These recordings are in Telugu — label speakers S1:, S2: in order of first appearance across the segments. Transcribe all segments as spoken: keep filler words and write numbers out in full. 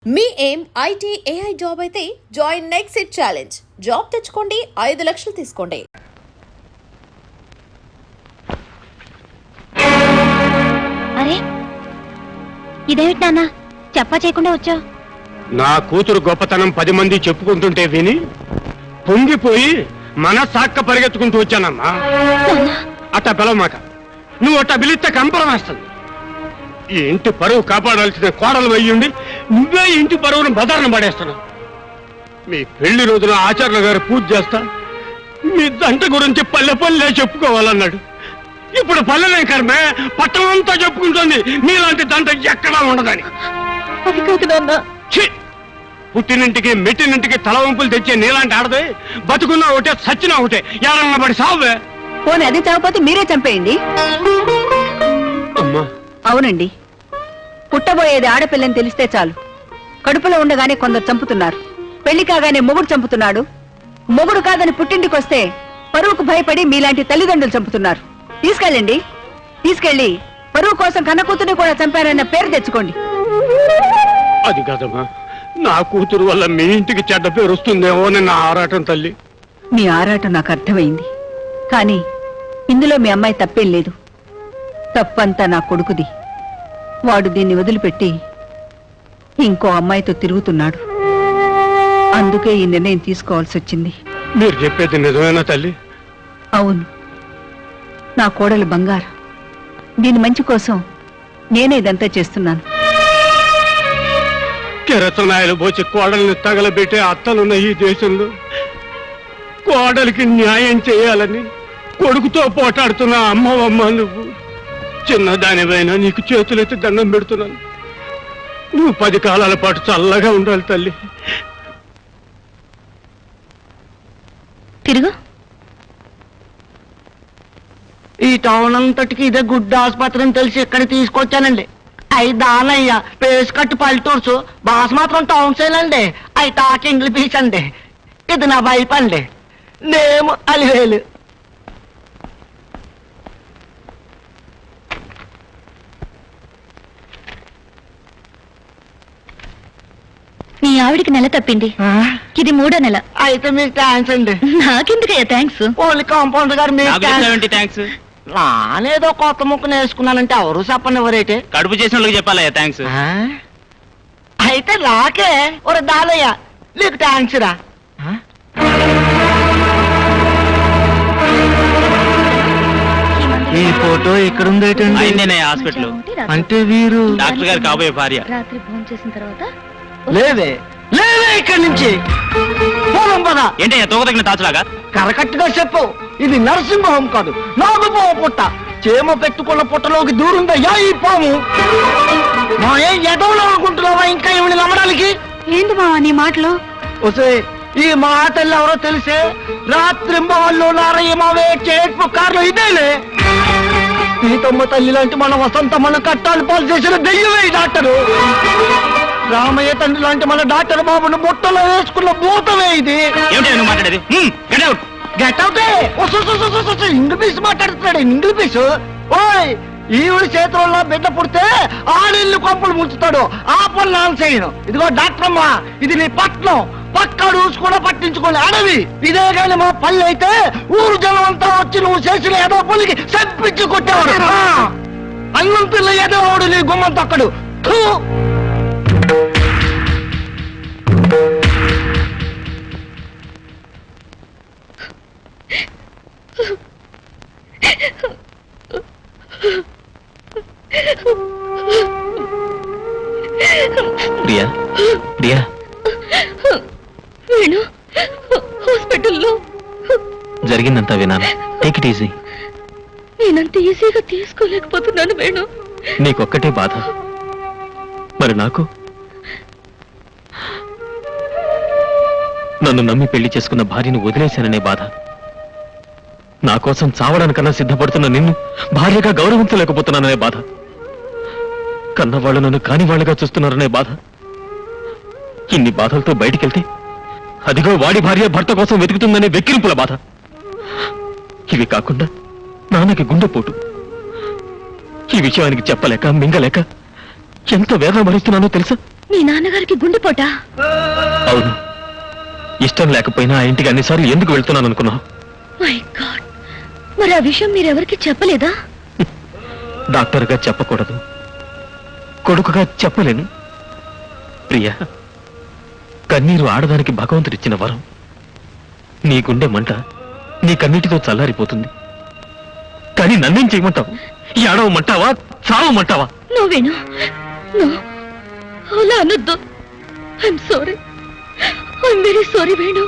S1: మీ ఏం ఐటీ ఏఐ జాబ్ అయితే join next it challenge. Job తెచ్చుకోండి, ఐదు లక్షలు తీసుకోండి.
S2: అరే ఇదేమిటి నాన్న, చెప్పా చేయకుండా వచ్చావు?
S3: నా కూతురు గొప్పతనం పది మంది చెప్పుకుంటుంటే విని పొంగిపోయి మనసాక్క పరిగెత్తుకుంటూ వచ్చానమ్మా. అట్ట పిలవమాక, నువ్వు అట్ట పిలిస్తే కంపరం వేస్తుంది. ఈ ఇంటి పరువు కాపాడాల్సిన కోడలు అయ్యుండి నువ్వే ఇంటి పరువును బదారణ పడేస్తున్నావు. మీ పెళ్లి రోజున ఆచార్యుల గారు పూజ చేస్తా, మీ దంట గురించి పల్లె పల్లె చెప్పుకోవాలన్నాడు. ఇప్పుడు పల్లెలే కర్మే పట్టణం అంతా చెప్పుకుంటుంది మీలాంటి దంట ఎక్కడా ఉండదని.
S2: అది కాదు నాన్న.
S3: పుట్టినింటికి మెట్టినింటికి తల వంపులు తెచ్చే నీలాంటి ఆడదే బతుకున్నా ఒకటే సచ్చినా ఒకటే ఎవరన్నా పడి సావే.
S2: పోనీ అది చావపోతే మీరే చంపేయండి.
S3: అమ్మా
S2: అవునండి, పుట్టబోయేది ఆడపిల్లని తెలిస్తే చాలు కడుపులో ఉండగానే కొందరు చంపుతున్నారు. పెళ్లి కాగానే మొగుడు చంపుతున్నాడు. మొగుడు కాదని పుట్టింటికి వస్తే పరువుకు భయపడి మీలాంటి తల్లిదండ్రులు చంపుతున్నారు. తీసుకెళ్ళండి, తీసుకెళ్లి పరువు కోసం కన్నకూతుని కూడా చంపారన్న పేరు తెచ్చుకోండి.
S3: అది కాదమ్మా, నా కూతురు వల్ల మీ ఇంటికి చెడ్డ పేరు వస్తుందేమో అని నా ఆరాటం తల్లి.
S2: మీ ఆరాటం నాకు అర్థమైంది, కానీ ఇందులో మీ అమ్మాయి తప్పేం లేదు. తప్పంతా నా కొడుకుది. వాడు దీన్ని వదిలిపెట్టి ఇంకో అమ్మాయితో తిరుగుతున్నాడు. అందుకే ఈ నిర్ణయం తీసుకోవాల్సి వచ్చింది.
S3: మీరు చెప్పేది నిజమేనా తల్లి?
S2: అవును, నా కోడలు బంగారం. దీని మంచి కోసం నేనే ఇదంతా చేస్తున్నాను.
S3: కెరసనాయలు పోచి కోడల్ని తగలబెట్టే అత్తలున్న ఈ దేశంలో కోడలికి న్యాయం చేయాలని కొడుకుతో పోటాడుతున్న అమ్మవమ్మ నువ్వు. చిన్నదానివైనా నీకు చేతులెత్తి దండం పెడుతున్నాను. నువ్వు పది కాలాల పాటు చల్లగా ఉండాలి తల్లి.
S2: తిరుగు.
S4: ఈ టౌన్ అంతటికి ఇదే గుడ్డ ఆసుపత్రి అని తెలిసి ఇక్కడ తీసుకొచ్చానండి. అయి దానయ్య పేస్ కట్టు పల్లెటూర్సు, బాస్ మాత్రం టౌన్ సైల్ అండి. అయి టాక్ ఇంగ్లీష్ పీస్ అండి. ఇది నా వైపు అండి, నేమ్ అలివేలు.
S2: నీ ఆవిడికి నెల తప్పింది, ఇది మూడో నెల.
S4: అయితే మీకు థ్యాంక్స్ అండి.
S2: నాకెందుకయ్యా థ్యాంక్స్?
S4: ఓన్లీ కాంపౌండర్ గారు మీకు
S5: థ్యాంక్స్.
S4: నానేదో కొత్త ముక్క నేర్చుకున్నానంటే ఎవరు చెప్పండి ఎవరైతే.
S5: కడుపు చేసిన వాళ్ళకి చెప్పాలయ్యా థ్యాంక్స్.
S4: అయితే రాకే ఒరే దాలయ్య, నీకు థ్యాంక్స్ రా. ఈ ఫోటో ఇక్కడ
S5: అయిందేనే హాస్పిటల్.
S4: అంటే వీరు
S5: డాక్టర్ గారు కాబోయే భార్య.
S2: రాత్రి భోజనం చేసిన తర్వాత
S4: లేవే లేవే ఇక్కడి నుంచి పోదాం పద.
S5: ఏంటయ్యా తోక తగిన తాచులాగా?
S4: కరకట్టుగా చెప్పు, ఇది నరసింహ హోం కాదు, నాగు పాము పుట్ట. చేమ పెట్టుకున్న పుట్టలోకి దూరుందయ్యా ఈ పాము. మా ఏం ఎదవలో అనుకుంటున్నావా ఇంకా ఏమిని నమ్మడానికి?
S2: ఏంటి మావా నీ మాటలు?
S4: వసే ఈ మా తల్లి ఎవరో తెలిసే రాత్రి వాళ్ళు నారయ్య మావే చేట్పు కార్లు ఇదేలే. సీతమ్మ తల్లి లాంటి మన వసంత మన కట్టాలు పాలు చేసిన దెయ్యమే ఈ డాక్టరు. రామయ్య తండ్రి లాంటి మన డాక్టర్ బాబును బుట్టలో వేసుకున్న భూతమే ఇది.
S5: ఏమిటి మాట్లాడేది?
S4: గెట్ అవుతే ఇంగ్లీష్ మాట్లాడుతున్నాడు. ఇంగ్లీష్ ఓయ్ ఈవిడ చేతుల్లో బిడ్డ పుడితే ఆడిల్లు కొంపలు ముంచుతాడు. ఆ పనులు నాన్న చేయను. ఇదిగో డాక్టర్ అమ్మా, ఇది నీ పట్నం, పక్క రూల్స్ కూడా పట్టించుకోండి. అడవి ఇదే కానీ మా పల్లె అయితే ఊరు జనం అంతా వచ్చి నువ్వు చేసిన ఏదో పల్లికి చంపించి కొట్టేవాడు. అన్నం పిల్ల ఏదో వాడు నీ గుమ్మం తక్కడు.
S5: ప్రియా ప్రియా
S2: వేణు హాస్పిటల్లో
S5: జరిగిందంతా వినాను. Take it easy.
S2: నేనంత ఈజీగా తీసుకోలేకపోతున్నాను వేణు.
S5: నీకొక్కటే బాధ, మరి నాకు? నన్ను నమ్మి పెళ్లి చేసుకున్న భార్యను వదిలేశాననే బాధ. నా కోసం చావడానికన్నా సిద్ధపడుతున్న నిన్ను భార్యగా గౌరవించలేకపోతున్నాననే బాధ. కన్నవాళ్ళు నన్ను కాని వాళ్ళుగా చూస్తున్నారనే బాధ. ఇన్ని బాధలతో బయటికెళ్తే అదిగో వాడి భార్య భర్త కోసం వెతుకుతుందనే వెక్కిరింపుల బాధ. ఇవి కాకుండా నాన్నకి గుండెపోటు. ఈ విషయానికి చెప్పలేక మింగలేక ఎంత వేదన భరిస్తున్నానో తెలుసా?
S2: మీ నాన్నగారికి గుండెపోటా?
S5: అవును. ఇష్టం లేకపోయినా ఆ ఇంటికి అన్నిసార్లు ఎందుకు వెళ్తున్నాను అనుకున్నావు?
S2: మై గాడ్, మరి ఆ విషయం మీరెవరికి చెప్పలేదా?
S5: డాక్టర్గా చెప్పకూడదు, కొడుకుగా చెప్పలేను. ప్రియా, కన్నీరు ఆడదానికి భగవంతుడిచ్చిన వరం. నీ గుండె మంట నీ కన్నీటితో చల్లారిపోతుంది. కానీ నన్నేం చేయమంటావు? ఏడవమంటావా, చావమంటావా?
S2: నువ్వేను, అలా అనొద్దు. I'm sorry, I'm very sorry Venu.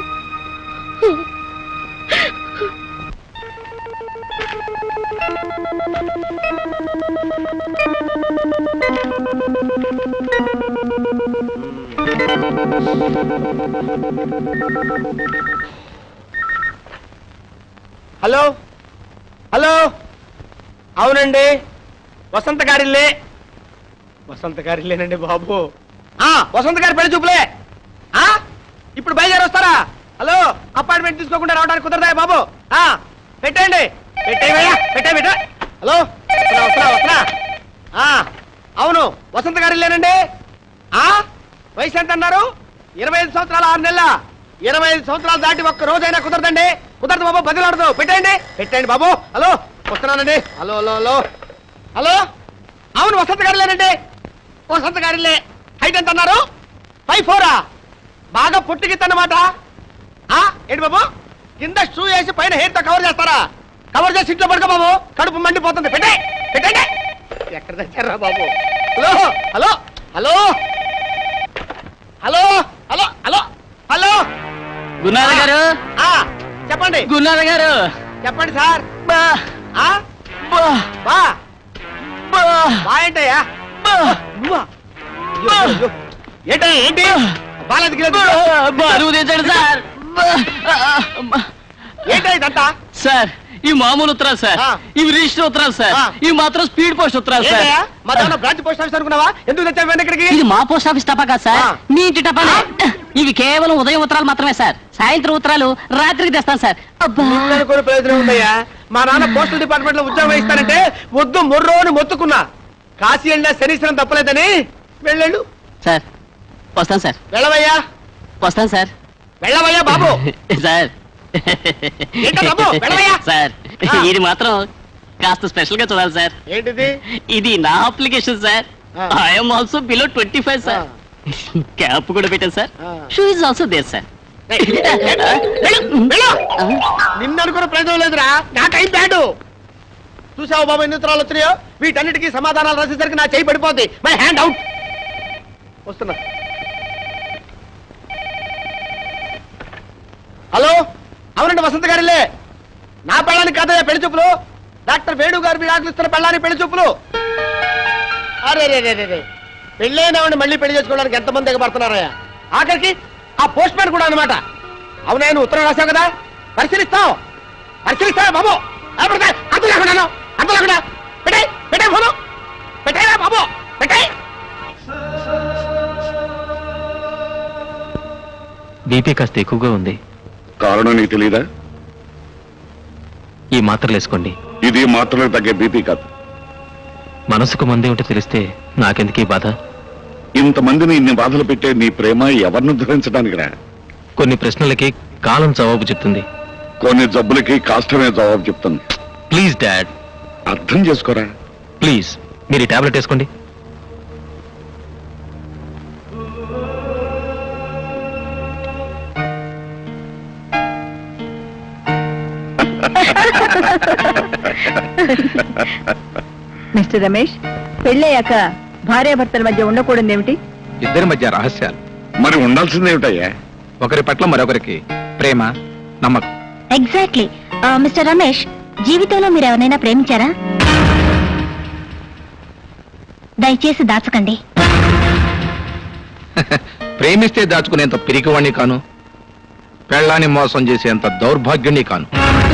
S4: Hello hello, అవునండి, వసంత గారిల్లే. వసంత గారిల్లేనండి బాబు. ఆ వసంత గారి పెళ్లి చూపులే. ఆ ఇప్పుడు బయలుదేరి వస్తారా? హలో, అపాయింట్మెంట్ తీసుకోకుండా రావడానికి కుదరదా బాబు? ఆ పెట్టండి, పెట్టేవయ్యా, పెట్టే పెట్ట. హలో, వస్తున్నా వస్తున్నా వస్తున్నా. ఆ అవును, వసంత గారిల్లేనండి. ఆ వయసు ఎంత అన్నారు? ఇరవై ఐదు సంవత్సరాలు ఆరు నెలల. ఇరవై ఐదు సంవత్సరాలు దాటి ఒక్క రోజైనా కుదరదండి. కుదరదు బాబు, బదిలాడదు. పెట్టండి పెట్టండి బాబు. హలో వస్తున్నానండి. హలో హలో హలో హలో, అవును వసంత గారిలేనండి. వసంత గారిలే. హైట్ ఎంత అన్నారు? ఫైవ్ ఫోరా? బాగా పుట్టికిద్దన్నమాట. ఏంటి బాబు, కింద షూ వేసి పైన హెయిర్ తో కవర్ చేస్తారా? కవర్ చేసి ఇంట్లో పడుకో బాబు, కడుపు మండిపోతుంది. పెట్టే పెట్టండి. ఎక్కడ తెచ్చారా బాబు? Hello hello hello hello hello hello hello
S6: గున్నార గారు,
S4: ఆ, చెప్పండి
S6: గున్నార గారు,
S4: చెప్పండి సార్.
S6: బా
S4: ఆ
S6: బా
S4: బా
S6: బా
S4: బా ఏంటయ్యా? నువ్వా? అయ్యో, అయ్యో. ఏంటయ్యా ఏంటి? బాలేదు
S6: బరువు తెచ్చాడు సార్.
S4: ఏంటయ్యా ఇదంతా?
S6: సార్, ఈ మామూలు ఉత్తరాలు సార్,
S4: ఆ.
S6: ఇవి రిజిస్టర్ ఉత్తరాలు సార్,
S4: ఆ.
S6: ఇవి మాత్రం స్పీడ్ పోస్ట్ ఉత్తరాలు సార్.
S4: ఏంటయ్యా మా దాని బ్రాంచ్ పోస్ట్ ఆఫీస్ అనుకున్నావా? ఎందుకు తెచ్చావు ఇవన్నీ ఇక్కడికి?
S6: ఇది మా పోస్ట్ ఆఫీస్ టపా కాదు సార్,
S4: ఆ.
S6: మీ ఇంటి టపానే. ఇవి కేవలం ఉదయం ఉత్తరాలు మాత్రమే సార్. సాయంత్రం ఉత్తరాలు రాత్రికి తెస్తాను సార్. అబ్బా,
S4: అనుకోని ప్రయోజనం ఉందయ్యా. మా నాన్న పోస్టల్ డిపార్ట్మెంట్ లో ఉద్యోగం ఇస్తానంటే వద్దు మొర్రో అని మొత్తుకున్నా. కాశీ వెళ్ళినా శనీశ్వరం తప్పలేదని వెళ్ళాడు.
S6: సార్ వస్తాను సార్,
S4: వెళ్ళవయ్యా,
S6: వస్తాను సార్.
S4: వెళ్ళవయ్యా బాబు.
S6: సార్
S4: ఏంటో బాబు, వెళ్ళవయ్యా.
S6: సార్,
S4: ఆ.
S6: ఇది మాత్రం కాస్త స్పెషల్ గా చూడాలి సార్.
S4: ఏంటిది?
S6: ఇది నా అప్లికేషన్ సార్.
S4: ఆ.
S6: I'm also below twenty five sir. Cap కూడా పెట్టాను సార్.
S4: ఆ.
S6: Shoe is also there sir.
S4: నిన్ను అనుకున్న ప్రయోజనం లేదురా, నా టైం బ్యాడు. చూసావు బాబు ఎన్ని ఉత్తరాలు వచ్చినాయో? వీటన్నిటికీ సమాధానాలు రాసేసరికి నా చేయి పడిపోద్ది. My hand out. వస్తున్నా. హలో, అవునండి వసంత గారిలే. నా పెళ్ళానికి కాదయ్యా పెళ్లి చూపులు. డాక్టర్ వేణు గారు మీరు ఆకలిస్తున్న పెళ్ళానికి పెళ్లి చూపులు. అరే రే రే రే పెళ్ళైనవాడిని మళ్ళీ పెళ్లి చేసుకోవడానికి ఎంతమంది ఎగబడుతున్నారయ్యా? ఆఖరికి ఆ పోస్ట్ మ్యాన్ కూడా అనమాట. అవునా, నువ్వు ఉత్తరం రాశావు కదా, పరిశీలిస్తావు పరిశీలిస్తావా బాబు? అంత లేకుండా అంత లేకుండా పెట్టే పెట్టే ఫోను పెట్టేరా బాబు, పెట్టే.
S5: బీపీ కాస్త ఎక్కువగా ఉంది.
S7: కారణం నీకు తెలీదా?
S5: ఈ మాత్రలు వేసుకోండి.
S7: ఇది మాత్రమే తగ్గే బీపీ కాదు.
S5: మనసుకు మందే ఉంటే తెలిస్తే నాకెందుకీ బాధ?
S7: ఇంతమందిని ఇన్ని బాధలు పెట్టే నీ ప్రేమ ఎవరిని ధరించడానికి రా.
S5: కొన్ని ప్రశ్నలకి కాలం జవాబు చెప్తుంది.
S7: కొన్ని జబ్బులకి కాష్టమే జవాబు చెప్తుంది.
S5: ప్లీజ్ డాడ్,
S7: అర్థం చేసుకోరా.
S5: ప్లీజ్ మీరు ఈ టాబ్లెట్ వేసుకోండి.
S2: మిస్టర్ రమేష్, పెళ్ళయ్యాక భార్యాభర్తల మధ్య ఉండకూడదు ఏమిటి?
S8: ఇద్దరి మధ్య రహస్యాలు,
S7: మరి ఉండాల్సిందేమిటయ్యా?
S8: ఒకరి పట్ల మరొకరికి ప్రేమ, నమ్మకం.
S9: ఎగ్జాక్ట్లీ. మిస్టర్ రమేష్, జీవితంలో మీరు ఎవరైనా ప్రేమించారా? దయచేసి దాచకండి.
S8: ప్రేమిస్తే దాచుకునేంత పిరికివాణ్ణి కాను, పెళ్ళాన్ని మోసం చేసేంత దౌర్భాగ్యుణ్ణి కాను.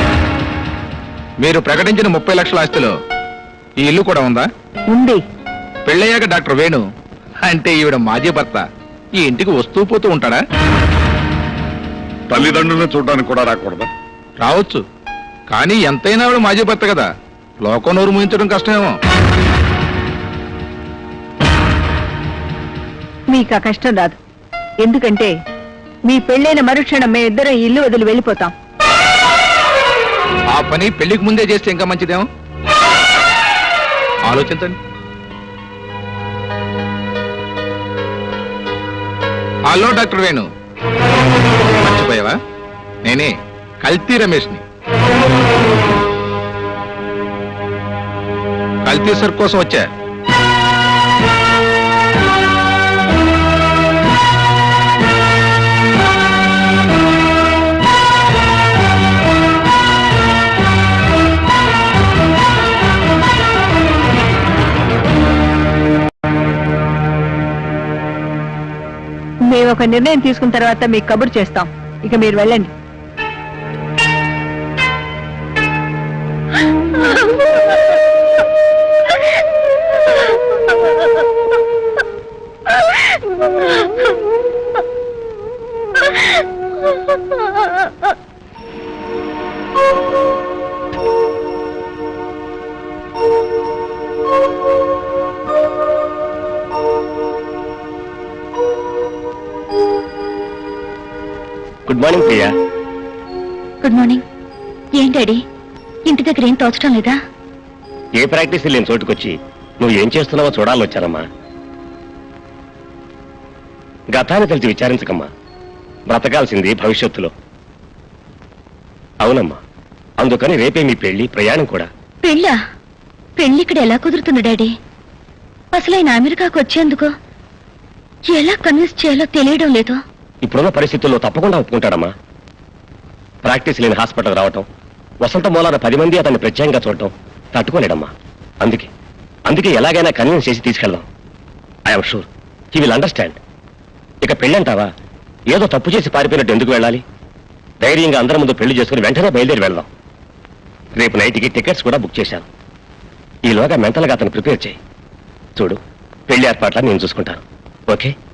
S8: మీరు ప్రకటించిన ముప్పై లక్షల ఆస్తిలో ఈ ఇల్లు కూడా ఉందా?
S2: ఉంది.
S8: పెళ్ళయ్యాక డాక్టర్ వేణు అంటే ఈవిడ మాజీ భర్త ఈ ఇంటికి వస్తూ పోతూ ఉంటాడా?
S7: తల్లిదండ్రులను చూడడానికి కూడా రాకూడదా?
S8: రావచ్చు, కానీ ఎంతైనా ఆవిడ మాజీ భర్త కదా, లోకం నోరు ముయించడం కష్టమేమో.
S2: మీకు ఆ కష్టం రాదు. ఎందుకంటే మీ పెళ్ళైన మరుక్షణం మేము ఇద్దరం ఈ ఇల్లు వదిలి వెళ్ళిపోతాం.
S8: ఆ పని పెళ్లికి ముందే చేస్తే ఇంకా మంచిదేమో. ఆలోచించండి. హలో డాక్టర్ వేణు, మర్చిపోయావా? నేనే కల్తీ రమేష్ని. కల్తీ సర్ కోసం వచ్చా.
S2: మేము ఒక నిర్ణయం తీసుకున్న తర్వాత మీకు కబురు చేస్తాం. ఇక మీరు వెళ్ళండి.
S3: Good morning Priya.
S9: Good morning. ఏం డాడీ, ఇంటి దగ్గర ఏం తోచడం లేదా?
S3: ఏ ప్రాక్టీస్ లేని చోటుకొచ్చి నువ్వు ఏం చేస్తున్నావో చూడాలని వచ్చానమ్మా. గతాన్ని తెలిసి విచారించకమ్మా. బ్రతకాల్సింది భవిష్యత్తులో. అవునమ్మా, అందుకని రేపే మీ పెళ్లి, ప్రయాణం కూడా.
S9: పెళ్ళా? పెళ్లి ఇక్కడ ఎలా కుదురుతుంది డాడీ? అసలు ఆయన అమెరికాకు వచ్చేందుకు ఎలా కన్విన్స్ చేయాలో తెలియడం లేదు.
S3: ఇప్పుడున్న పరిస్థితుల్లో తప్పకుండా ఒప్పుకుంటాడమ్మా. ప్రాక్టీస్ లేని హాస్పిటల్ రావటం, వసంత మూలాన పది మంది అతన్ని ప్రత్యేకంగా చూడటం తట్టుకోలేడమ్మా. అందుకే అందుకే ఎలాగైనా కన్విన్స్ చేసి తీసుకెళ్దాం. I'm sure he will understand. ఇక పెళ్ళంటావా? ఏదో తప్పు చేసి పారిపోయినట్టు ఎందుకు వెళ్ళాలి? ధైర్యంగా అందరి ముందు పెళ్లి చేసుకుని వెంటనే బయలుదేరి వెళ్దాం. రేపు నైట్కి టికెట్స్ కూడా బుక్ చేశాను. ఈలోగా మెంటల్గా అతను ప్రిపేర్ చేయి. చూడు, పెళ్లి ఏర్పాట్ల నేను చూసుకుంటాను. ఓకే?